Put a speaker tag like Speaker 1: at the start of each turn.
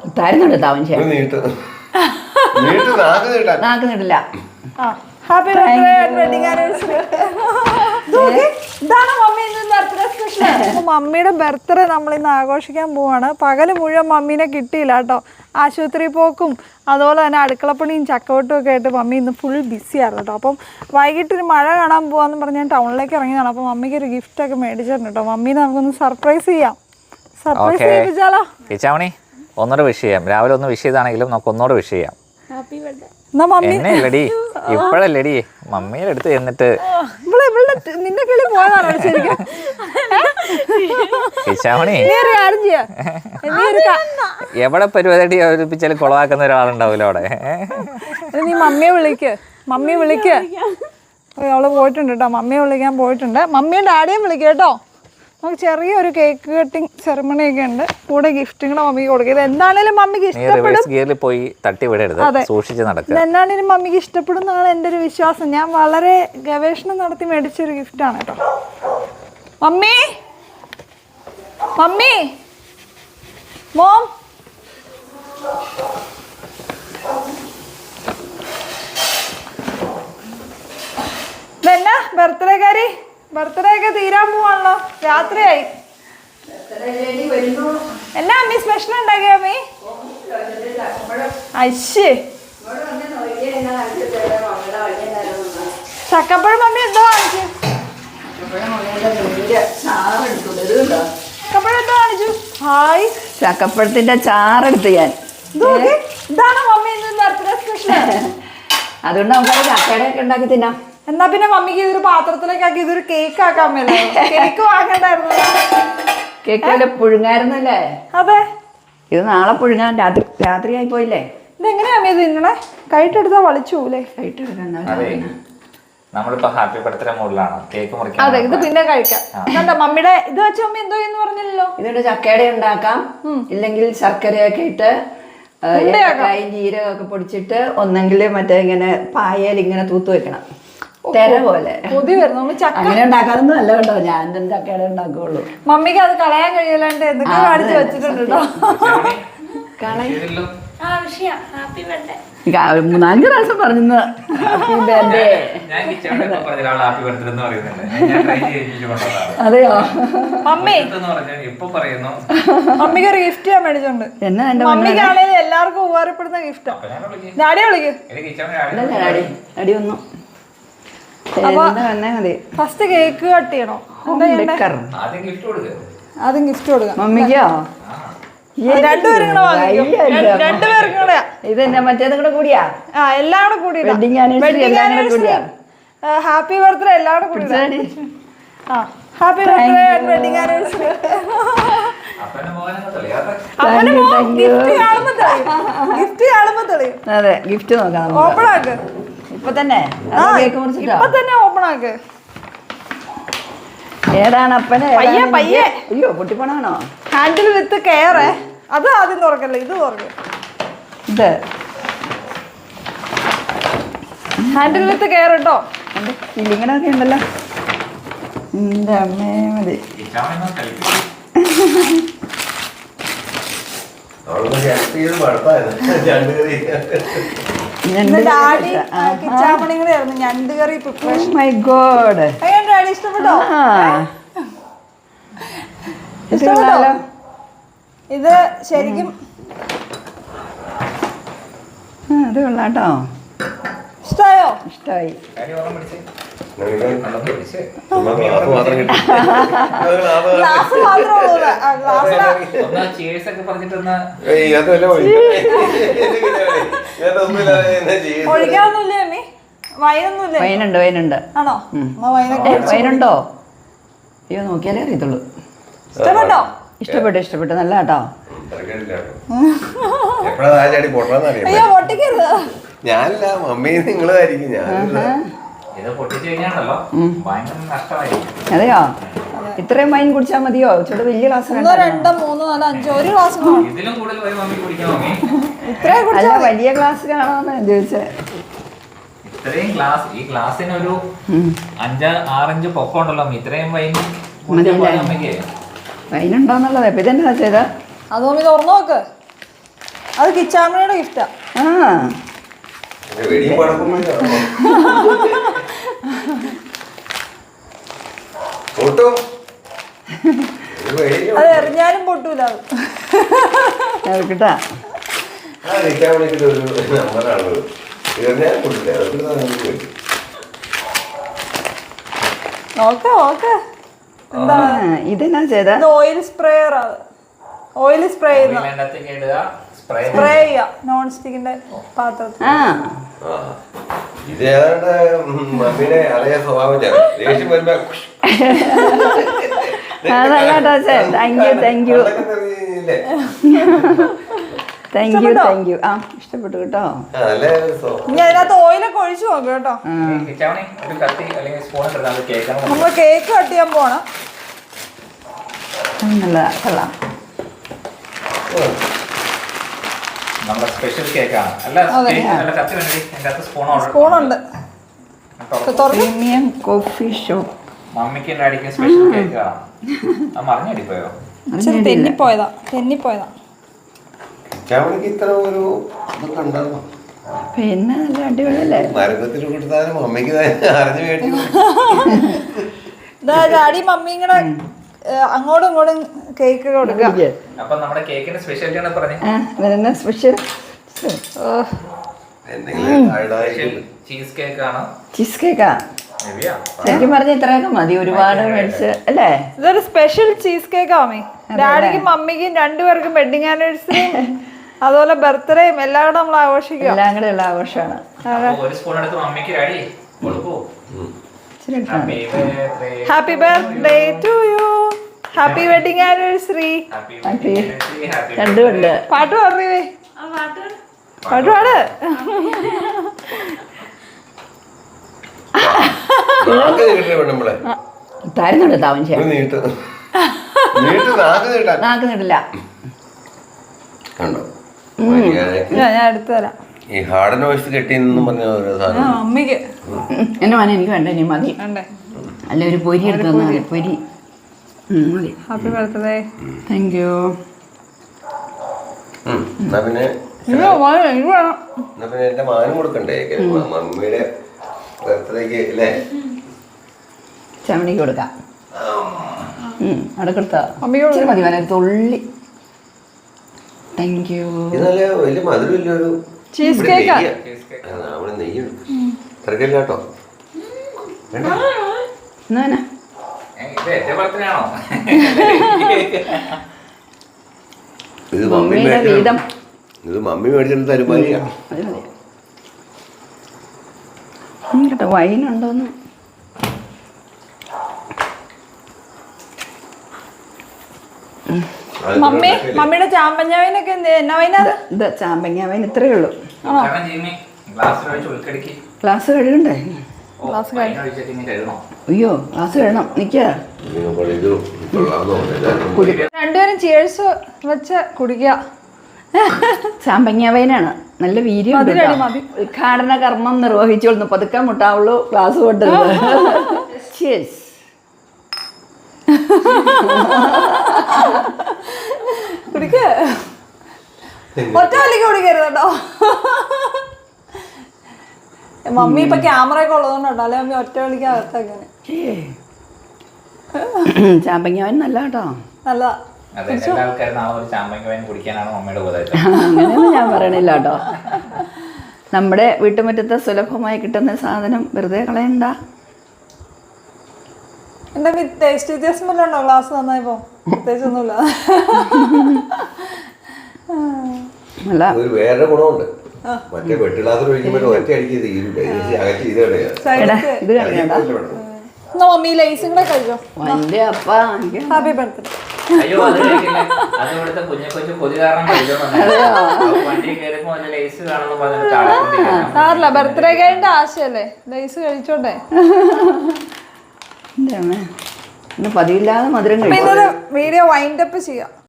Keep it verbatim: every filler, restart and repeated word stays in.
Speaker 1: തരുന്നുണ്ട് താവൻ നാക്ക് നീട്ടില്ല.
Speaker 2: Happy birthday and wedding anniversary. ഇതാണ് മമ്മി ഇന്ന് ബർത്ത്ഡേ സ്പെഷ്യൽ. മമ്മിയുടെ ബർത്ത്ഡേ നമ്മൾ ഇന്ന് ആഘോഷിക്കാൻ പോവാണ്. പകല് മുഴുവൻ മമ്മീനെ കിട്ടിയില്ല കേട്ടോ. ആശുപത്രി പോക്കും അതുപോലെ തന്നെ അടുക്കളപ്പണിയും ചക്കവട്ടും ഒക്കെ ആയിട്ട് മമ്മി ഇന്ന് ഫുൾ ബിസിയായിരുന്നു കേട്ടോ. അപ്പം വൈകിട്ടൊരു മഴ കാണാൻ പോവാന്ന് പറഞ്ഞ് ഞാൻ ടൗണിലേക്ക് ഇറങ്ങിയതാണ്. അപ്പം മമ്മിക്ക് ഒരു ഗിഫ്റ്റ് ഒക്കെ മേടിച്ചിട്ടുണ്ട് കേട്ടോ. മമ്മീനെ നമുക്കൊന്ന് സർപ്രൈസ് ചെയ്യാം. സർപ്രൈസ് ചെയ്യിപ്പിച്ചാലോ?
Speaker 3: കിച്ചാമണി ഒന്നൂടെ വിഷ് ചെയ്യാം. രാവിലെ ഒന്ന് വിഷ് ചെയ്താണെങ്കിലും നമുക്ക് ഒന്നൂടെ വിഷ് ചെയ്യാം.
Speaker 2: Happy birthday. എന്നല്ലടി
Speaker 3: ഇപ്പഴല്ലടി മമ്മിയുടെ അടുത്ത് എന്നിട്ട്
Speaker 2: നിന്റെ കിളി പോയതാണോ ശരിക്കും?
Speaker 3: എവിടെ പരിപാടി അവതരിപ്പിച്ചാലും കുളവാക്കുന്ന ഒരാളുണ്ടാവില്ല അവിടെ.
Speaker 2: നീ മമ്മിയെ വിളിക്ക്, മമ്മിയെ വിളിക്ക്. അവള് പോയിട്ടുണ്ട് കേട്ടോ, മമ്മിയെ വിളിക്കാൻ പോയിട്ടുണ്ട്. മമ്മിയും ഡാഡിയും വിളിക്കുക കേട്ടോ. നമുക്ക് ചെറിയൊരു കേക്ക് കട്ടിങ് സെറമണി ഒക്കെ ഉണ്ട്. കൂടെ ഗിഫ്റ്റുകളും മമ്മിക്ക് കൊടുക്കുക. ഇത് എന്താണേലും മമ്മിക്ക് ഇഷ്ടപ്പെടും.
Speaker 3: പോയി തട്ടി വിടരുത്, സൂക്ഷിച്ച് നടക്കുക.
Speaker 2: എന്നാണേലും മമ്മിക്ക് ഇഷ്ടപ്പെടും എന്നാണ് എൻ്റെ ഒരു വിശ്വാസം. ഞാൻ വളരെ ഗവേഷണം നടത്തി മേടിച്ചൊരു ഗിഫ്റ്റാണ് കേട്ടോ. മമ്മി മമ്മി മോം ഇതെന്നാ ബർത്ത്ഡേക്കാരി? ബർത്ത്ഡേ ഒക്കെ തീരാൻ പോവാണല്ലോ, രാത്രിയായി. എന്നാ അമ്മി സ്പെഷ്യൽ ഉണ്ടാക്കിയ അമ്മി? അശ്ശേ ചക്കപ്പഴം മമ്മി എന്തോ കാണിച്ചു? ചക്കപ്പഴം എന്തോ കാണിച്ചു? ഹായ്,
Speaker 1: ചക്കപ്പഴത്തിന്റെ ചാറെടുത്ത് ഞാൻ.
Speaker 2: ഇതാണ് മമ്മി ഇന്ന് ബർത്ത്ഡേ സ്പെഷ്യൽ.
Speaker 1: അതുകൊണ്ട് നമുക്ക് ചക്കയുടെ ഒക്കെ ഉണ്ടാക്കി തിന്നാം.
Speaker 2: എന്നാ പിന്നെ മമ്മിക്ക് ഇതൊരു പാത്രത്തിലേക്ക് ആക്കി ഇതൊരു കേക്ക് ആക്കാൻ മേലോ? കേക്ക് വാങ്ങണ്ടായിരുന്നു.
Speaker 1: കേക്ക് വല്ല പുഴുങ്ങായിരുന്നല്ലേ?
Speaker 2: അതെ,
Speaker 1: ഇത് നാളെ പുഴുങ്ങാൻ. രാത്രി രാത്രിയായി പോയില്ലേ?
Speaker 2: ഇതെങ്ങനെയാ അമ്മ ഇത് തിന്നണേ? കൈട്ടെടുത്താ വളിച്ചൂലേ?
Speaker 3: നമ്മളിപ്പോ ഹാപ്പി ബർത്ത്ഡേ മൂഡിലാണ്. കേക്ക് മുറിക്കാൻ.
Speaker 2: അതെ, ഇത് പിന്നെ കഴിക്കാം. കണ്ടോ മമ്മിയുടെ ഇത് വെച്ച അമ്മ എന്തോ എന്ന് പറഞ്ഞില്ലല്ലോ.
Speaker 1: ഇതുകൊണ്ട് ചക്കയുടെ ഉണ്ടാക്കാം, ഇല്ലെങ്കിൽ ശർക്കരയൊക്കെ ഇട്ട് ഏലക്കായും ജീരകമൊക്കെ പൊടിച്ചിട്ട് ഒന്നെങ്കിൽ മറ്റേ ഇങ്ങനെ പായയിൽ ഇങ്ങനെ തൂത്ത് വെക്കണം, തെര പോലെ. അങ്ങനെ ഉണ്ടാക്കാനൊന്നും അല്ല കേട്ടോ, ഞാൻ ചക്കയുടെ ഉണ്ടാക്കുള്ളൂ.
Speaker 2: മമ്മിക്ക് അത് കളയാൻ കഴിയലാണ്ട് എന്തൊക്കെ കാണിച്ചു വെച്ചിട്ടുണ്ട് കേട്ടോ.
Speaker 1: മൂന്നാലഞ്ച് പ്രാവശ്യം പറഞ്ഞു ഹാപ്പി ബർത്ത്ഡേ. അതെയോ?
Speaker 2: മമ്മി മമ്മിക്ക് ഒരു ഗിഫ്റ്റ് ഞാൻ മേടിച്ചോണ്ട്.
Speaker 1: എന്നാ എന്റെ
Speaker 2: മമ്മിക്കാണേലും എല്ലാവർക്കും ഉപകാരപ്പെടുന്ന ഗിഫ്റ്റാ. ഡാഡിയെ വിളിക്കും.
Speaker 1: അടി ഒന്നു
Speaker 2: ഫസ്റ്റ് കേക്ക് കട്ട് ചെയ്യണോ? ആദ്യം ഗിഫ്റ്റ് കൊടുക്കാം മമ്മിക്കോ? രണ്ടുപേരും കൂടെ രണ്ടുപേരും കൂടെ.
Speaker 1: ഇതെന്നാ മറ്റേതും കൂടെ കൂടിയാ?
Speaker 2: ആ, എല്ലാം കൂടെ കൂടി. ഹാപ്പി ബർത്ത്ഡേ എല്ലാം കൂടെ കൂടി. ആ, happy birthday and wedding anniversary. Gift കാണുമ്പോ തെളിയും, ഗിഫ്റ്റ് കാണുമ്പോ തെളിയും.
Speaker 1: അതെ, ഗിഫ്റ്റ് നോക്കാം.
Speaker 2: ഓപ്പൺ ആക്ക്
Speaker 1: ഇപ്പൊ തന്നെ.
Speaker 2: ഇപ്പൊ തന്നെ ഓപ്പൺ ആക്ക്.
Speaker 1: ഏതാണ് അപ്പനെ?
Speaker 2: പയ്യെ പയ്യെ.
Speaker 1: അയ്യോ, പൊട്ടിപ്പണാണോ?
Speaker 2: Handle with care. അത് ആദ്യം തുറക്കല്ലേ, ഇത് തുറക്കും.
Speaker 1: ഇത്
Speaker 2: ഹാൻഡിൽ വിത്ത് കെയർ കേട്ടോ.
Speaker 1: ഇലിങ്ങനൊക്കെ ഉണ്ടല്ലോ. എന്റെ അമ്മേ മതി.
Speaker 2: ഞണ്ട് കറി പ്രിപ്പറേഷൻ.
Speaker 1: മൈ ഗോഡ്,
Speaker 2: ഡാഡി ഇഷ്ടപ്പെട്ടോ?
Speaker 1: ഇഷ്ടപ്പെട്ടോ?
Speaker 2: ഇത് ശരിക്കും
Speaker 1: അത് കൊള്ളാട്ടോ.
Speaker 2: ഇഷ്ടായോ?
Speaker 1: ഇഷ്ടായി.
Speaker 2: ഗ്ലാസ് ഒഴിക്കാനൊന്നുമില്ലേ അമ്മി? വൈനൊന്നുമില്ലേ?
Speaker 1: വൈനുണ്ട്, വൈനുണ്ട്.
Speaker 2: ആണോ?
Speaker 1: വൈനുണ്ടോ? അയ്യോ, നോക്കിയാലേ അറിയത്തുള്ളൂ.
Speaker 2: ഇഷ്ടപ്പെട്ടോ?
Speaker 1: ഇഷ്ടപ്പെട്ടു, ഇഷ്ടപ്പെട്ടു. നല്ല കേട്ടോ.
Speaker 2: അയ്യോ, പൊട്ടിക്കരുത്.
Speaker 4: ഞാനില്ല, മമ്മി നിങ്ങളായിരിക്കും. ഞാൻ
Speaker 1: അതെയോ? ഇത്രയും വൈൻ കുടിച്ചാൽ മതിയോ? ചോട്ട് വലിയ ഗ്ലാസ്.
Speaker 2: രണ്ടോ മൂന്നോ നാലോ അഞ്ചോ ഒരു ഗ്ലാസ്.
Speaker 1: അല്ല, വലിയ ഗ്ലാസ് കാണാന്ന് ചോദിച്ചേ.
Speaker 3: ഇത്രയും ഗ്ലാസ്, ഈ ഗ്ലാസ്സിന് ഒരു അഞ്ച് ആറഞ്ച് പൊക്കം ഉണ്ടല്ലോ. ഇത്രയും വൈൻ
Speaker 1: വൈനുണ്ടോന്നുള്ളത്. ഇപ്പൊ ഇതെന്താ ചെയ്ത?
Speaker 2: അതോ തുറന്നു നോക്ക്. അത് കിച്ചാമ്മയുടെ ഗിഫ്റ്റാ.
Speaker 1: ആ
Speaker 4: വെടിയും പടക്കും പൊട്ടും. ഒരു വെടിയും
Speaker 2: അത് എറിഞ്ഞാലും പൊട്ടൂല അത്.
Speaker 1: കേട്ടാ
Speaker 4: ആ നിൽക്കാൻ വിളിച്ചിട്ട് ഒരു നമ്പറാണത്. ഇതെല്ലാം പൊട്ടില്ല. അതൊക്കെ നമുക്ക് കിട്ടും.
Speaker 2: നോക്കാം നോക്കാം. എന്താ
Speaker 1: ഇതെന്നാ ചെയ്ത
Speaker 2: ഇത് ഓയിൽ സ്പ്രേയർ അത്. ഓയിൽ സ്പ്രേ ചെയ്യുന്ന
Speaker 3: അതിനകത്തേക്ക് ഇടുക, സ്പ്രേ
Speaker 2: സ്പ്രേ ചെയ്യാ നോൺ സ്റ്റിക്കിന്റെ പാത്രത്തിൽ.
Speaker 1: ആ
Speaker 4: ആ. ഇത് ഏതാണ്ട് മമ്മിയുടെ അതേ സ്വഭാവം ചേർന്ന്. ദേഷ്യം വരുമ്പോ
Speaker 1: അതല്ല കേട്ടോ താങ്ക് യു താങ്ക് യു
Speaker 4: അതൊക്കെ തെറിയില്ലേ?
Speaker 1: താങ്ക് യു താങ്ക് യു ആ ഇഷ്ടപ്പെട്ടു കേട്ടോ.
Speaker 4: ആ, നല്ല സ്വഭാവം.
Speaker 2: ഇനി അതിനകത്ത് ഓയിലൊക്കെ ഒഴിച്ചു നോക്കും കേട്ടോ.
Speaker 3: കിച്ചാവണി ഒരു കത്തി അല്ലെങ്കിൽ സ്പൂൺ എടുത്താൽ അത് കേൾക്കണം.
Speaker 2: നമ്മൾ കേക്ക് കട്ട് ചെയ്യാൻ പോണം.
Speaker 1: നല്ലതാ കൊള്ളാം.
Speaker 3: നമ്മുടെ സ്പെഷ്യൽ കേക്കാണ്. അല്ല
Speaker 2: അതെ.
Speaker 3: കേക്ക് നല്ല കത്തി വേണ്ടി എൻ്റെ അകത്ത് സ്പൂൺ
Speaker 2: സ്പൂണുണ്ട്. തുറന്ന്
Speaker 1: പ്രീമിയം കോഫി ഷോപ്പ്
Speaker 3: മമ്മിക്ക് അടിക്കുന്ന സ്പെഷ്യൽ കേക്ക് കാണാം. അത് മറിഞ്ഞടിപ്പോയോ?
Speaker 2: ഇച്ചിരി തെന്നിപ്പോയതാ തെന്നിപ്പോയതാ.
Speaker 4: ചാവണിക്ക് ഇത്ര ഒരു ഇതൊക്കെ ഉണ്ടാകും.
Speaker 1: പിന്നെ നല്ല അടിപൊളിയല്ലേ.
Speaker 4: മരത്തിൽ കൊടുത്താലും മമ്മിക്ക് അറിഞ്ഞു മേടിച്ചു.
Speaker 2: ഇതാ ഡാഡി മമ്മിയും കൂടെ ഏഹ്, അങ്ങോട്ടും ഇങ്ങോട്ടും കേക്ക് കൊടുക്കുക.
Speaker 3: അപ്പൊ നമ്മുടെ കേക്കിന്റെ സ്പെഷ്യാലിറ്റി ആണ് പറഞ്ഞത്.
Speaker 1: ആ ഇതെന്നാ സ്പെഷ്യൽ
Speaker 4: എന്തെങ്കിലും ആയിടായിരിക്കും.
Speaker 3: ചീസ് കേക്ക് ആണ്.
Speaker 1: ചീസ് കേക്കാ
Speaker 3: ഹെവിയാ.
Speaker 1: ശരിക്കും പറഞ്ഞ ഇത്രയൊക്കെ മതി. ഒരുപാട് മേടിച്ച് അല്ലേ.
Speaker 2: ഇതൊരു സ്പെഷ്യൽ ചീസ് കേക്ക് ആമേ. ഡാഡിക്കും മമ്മിക്കും രണ്ടുപേർക്കും വെഡിങ് ആനിവേഴ്സറിയും അതുപോലെ ബർത്ത്ഡേയും എല്ലാം കൂടെ നമ്മൾ ആഘോഷിക്കുക.
Speaker 1: എല്ലാം കൂടെ ഉള്ള ആഘോഷമാണ്.
Speaker 3: അപ്പൊ ഒരു സ്പൂൺ എടുത്ത് മമ്മിക്ക് അടി കൊടുക്കൂ.
Speaker 1: ഇച്ചിരി ഇട്ടാ മതി.
Speaker 2: Happy birthday to you. Happy wedding anniversary.
Speaker 1: Happy രണ്ടും ഉണ്ട്.
Speaker 2: പാട്ട് പാടുവേ. പാട്ട് പാട്.
Speaker 4: നാക്ക് നീട്ടേ വേണം നമ്മളെ.
Speaker 1: തരുന്നുണ്ട് താവൻ ചെയ്യാൻ.
Speaker 4: ഒരു നീട്ട് നീട്ട് നാക്ക് നീട്ടാൻ
Speaker 1: നാക്ക് നീട്ടില്ല.
Speaker 4: കണ്ടോ മര്യാദയ്ക്ക്.
Speaker 2: ഞാൻ ഞാൻ എടുത്തു തരാം.
Speaker 4: ഈ ഹാർഡ് നോയ്സ് കെട്ടിയെന്നും പറഞ്ഞ ഓരോ
Speaker 2: ആ
Speaker 4: സാധനം.
Speaker 2: മമ്മിക്ക്
Speaker 1: എൻ്റെ മോനെ എനിക്ക് വേണ്ട ഇനി മതി.
Speaker 2: വേണ്ടേ.
Speaker 1: അല്ല ഒരു പൊരി എടുത്ത് തന്നാൽ മതി. പൊരി ഉം, മതി.
Speaker 2: Happy birthday.
Speaker 1: Thank you.
Speaker 4: ഉം. എന്നാ പിന്നെ
Speaker 2: അയ്യോ മോനെ എനിക്ക് വേണം.
Speaker 4: എന്നാ പിന്നെ എന്റെ മാനും കൊടുക്കണ്ടേ മമ്മിയുടെ ബർത്ത്ഡേക്ക് അല്ലേ?
Speaker 1: ചമണിക്ക് കൊടുക്കാം. ഉം, അവിടെ കൊടുത്താ
Speaker 2: മമ്മിക്ക്
Speaker 1: ഇച്ചിരി മതി. വേണേ ഒരു തുള്ളി. Thank you.
Speaker 4: ഇത് നല്ല വലിയ മധുരമില്ല. ഒരു
Speaker 2: ചീസ്
Speaker 4: ഇവിടെ
Speaker 2: കേക്കാ.
Speaker 4: നെയ്യാ. ആ, അവിടെ നെയ്യുണ്ട്. തിരക്കില്ല കേട്ടോ. വേണ്ട.
Speaker 1: എന്നാ വേണേ?
Speaker 3: ഇത് എന്റെ ബർത്ത്ഡേ ആണോ?
Speaker 4: ഇത് മമ്മി
Speaker 1: മമ്മിയുടെ
Speaker 4: മേടിച്ച
Speaker 1: വീതം.
Speaker 4: ഇത് മമ്മി മേടിച്ചിട്ട് തരുമാനിയാ.
Speaker 1: അത് മതി. ഉം, കേട്ടോ വൈനുണ്ടോന്ന്.
Speaker 2: മമ്മി മമ്മിയുടെ ചാമ്പഞ്ഞാവിനൊക്കെ എന്ത് എന്നാ വൈനാത്?
Speaker 1: ഇത് ചാമ്പങ്ങ വൈൻ ഇത്രയേ ഉള്ളൂ.
Speaker 3: കാരണം ജിമ്മി ഗ്ലാസ്സിൽ ഒഴിച്ച് ഉൾക്കടിക്ക്.
Speaker 1: ഗ്ലാസ് കഴുകണ്ടേ?
Speaker 2: ഗ്ലാസ്
Speaker 3: വൈൻ ഒഴിച്ചിട്ട് ഇങ്ങനെ കഴുകണോ?
Speaker 1: അയ്യോ ഗ്ലാസ് കഴുകണം. നിൽക്ക
Speaker 4: ഇത് കൊള്ളാമെന്ന് തോന്നുന്നു. എല്ലാവർക്കും
Speaker 2: രണ്ടുപേരും ചിയേഴ്സ് വെച്ച് കുടിക്കുക.
Speaker 1: ചാമ്പങ്ങ വൈനാണ്. നല്ല വീര്യം ഉണ്ട്
Speaker 2: മതി,
Speaker 1: കേട്ടോ.
Speaker 2: മതി.
Speaker 1: ഉദ്ഘാടന കർമ്മം നിർവഹിച്ചോളുന്നു. പതുക്കെ മുട്ടാവുള്ളൂ ഗ്ലാസ് കൊണ്ടത്. Cheers.
Speaker 2: കുടിക്ക. ഒറ്റ വലിക്ക് കുടിക്കരുത് കേട്ടോ. മമ്മി ഇപ്പൊ ക്യാമറ ഒക്കെ ഉള്ളതുകൊണ്ടോ അല്ലെ മമ്മി ഒറ്റ വലിക്ക് അകത്തേക്കാണ്.
Speaker 1: ചാമ്പങ്ങ വൈൻ നല്ല കേട്ടോ.
Speaker 2: നല്ലതാ.
Speaker 3: അതെ, എല്ലാ ആൾക്കാരും നാളെ ഒരു ചാമ്പങ്ങ വൈൻ കുടിക്കാനാണ് മമ്മിയുടെ ഉപദേശം.
Speaker 1: അങ്ങനെയൊന്നും ഞാൻ പറയണില്ല കേട്ടോ. നമ്മുടെ വീട്ടുമുറ്റത്ത് സുലഭമായി കിട്ടുന്ന സാധനം വെറുതെ കളയണ്ട.
Speaker 2: എന്റെ ടേസ്റ്റ് വ്യത്യാസം വല്ലതും ഉണ്ടോ? ഗ്ലാസ് നന്നായിപ്പോ പ്രത്യേകിച്ചൊന്നുമില്ല.
Speaker 1: അല്ല
Speaker 4: ഒരു വേറെ ഗുണമുണ്ട്. മറ്റേ വെട്ട് ഗ്ലാസ്സിൽ ഒഴിക്കുമ്പോൾ ഒറ്റ അടിക്ക് തീരില്ല. അകറ്റ് ചെയ്ത് കളയാ.
Speaker 1: എടാ ഇത് കളയണ്ട.
Speaker 2: എന്നാ മമ്മി ലൈസും കൂടെ കഴിച്ചോ.
Speaker 1: എൻ്റെ അപ്പ എനിക്ക്
Speaker 2: ഹാപ്പി ബർത്ത്ഡേ.
Speaker 3: അയ്യോ അത് കഴിക്കില്ല. അത് ഇവിടുത്തെ കുഞ്ഞു കൊച്ചു കൊതി കാരണം കഴിച്ചോന്നുണ്ടായിരുന്നു. വണ്ടി കയറുമ്പോ അതിന്റെ ലേസ് കാണുന്നു പറഞ്ഞിട്ട് ചാടിക്കൊണ്ടിരിക്കണം.
Speaker 2: സാറില്ല ബർത്ത്ഡേ കഴിഞ്ഞ ആശയല്ലേ ലൈസ് കഴിച്ചോട്ടെ.
Speaker 1: എൻ്റെ അമ്മ ഇന്ന് പതിവില്ലാതെ മധുരം കഴിച്ചു.
Speaker 2: പിന്നെ വീഡിയോ വൈൻഡ് അപ്പ് ചെയ്യാം.